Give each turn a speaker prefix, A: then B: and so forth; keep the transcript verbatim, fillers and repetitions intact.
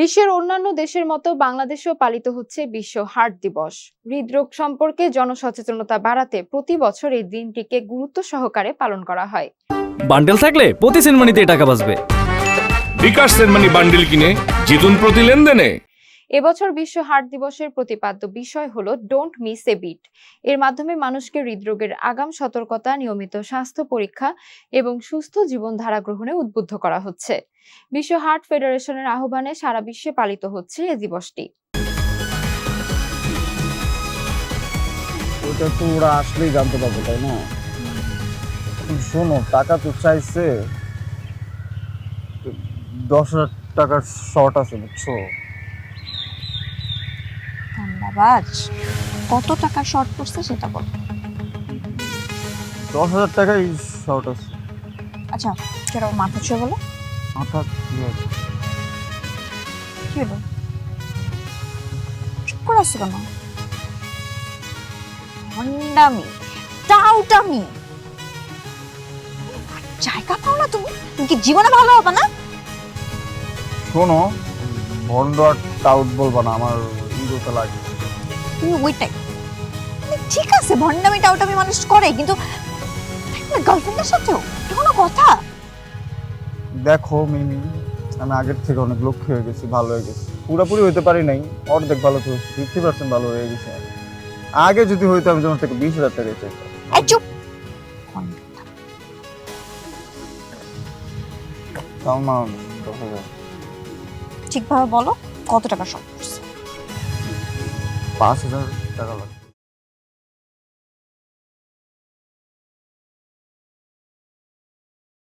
A: বিশ্বের অন্যান্য দেশের মতো বাংলাদেশেও পালিত হচ্ছে বিশ্ব হার্ট দিবস। হৃদরোগ সম্পর্কে জনসচেতনতা বাড়াতে প্রতি বছর এই দিনটিকে গুরুত্ব সহকারে পালন করা হয়।
B: বান্ডেল থাকলে প্রতি সেনমানিতে টাকা বাঁচবে।
C: বিকাশ সেনমানি বান্ডেল কিনে জিতুন প্রতি লেনদেনে।
A: এবছর বিশ্ব হার্ট দিবসের প্রতিপাদ্য বিষয় হলো ডোন্ট মিস এ বিট। এর মাধ্যমে মানুষকে হৃদরোগের আগাম সতর্কতা, নিয়মিত স্বাস্থ্য পরীক্ষা এবং সুস্থ জীবনধারা গ্রহণে উদ্বুদ্ধ করা হচ্ছে। বিশ্ব হার্ট ফেডারেশনের আহ্বানে সারা বিশ্বে পালিত হচ্ছে এই দিবসটি।
D: ওটা তো ওরা আসলেই জানতে পারবে, তাই না? শোনো, টাকা তো চাইছে, দশ হাজার টাকার শর্ট আছে, বুঝছো?
E: ধন্যবাদ। কত টাকা শর্ট পড়ছে সেটা বল।
D: দশ হাজার টাকাই শর্ট আছে।
E: আচ্ছা, সেটা মাথা ছুঁয়ে বলো।
D: মাথা কি হবে?
E: কি হলো? চুপ করে আসছো কেন? ভণ্ডামি, টাউটামি, জায়গা পাও না তুমি? তুমি কি জীবনে ভালো হবে না?
D: শোনো, ভন্ড আর টাউট বলবা না, আমার ইগোতে লাগে।
E: তুমি ওইটাই। ঠিক আছে, ভণ্ডামি টাউটামি মানুষ করে, কিন্তু গার্লফ্রেন্ডের সাথেও এটা কোনো কথা?
D: দেখো মিমি, আমি আগের থেকে অনেক লক্ষ্য হয়ে গেছি, ভালো হয়ে গেছি। পুরোপুরি হইতে পারি নাই, অর্ধেক ভালো তো হয়েছে, ফিফটি পার্সেন্ট ভালো হয়ে গেছে। আগে যদি হইতো আমি তোমার থেকে বিশ হাজার টাকা চাইতাম।
E: এই চুপ।
D: তাও না, দশ হাজার।
E: ঠিকভাবে বলো, কত টাকা শর্ট পড়ছে?
D: পাঁচ হাজার টাকা লাগবে।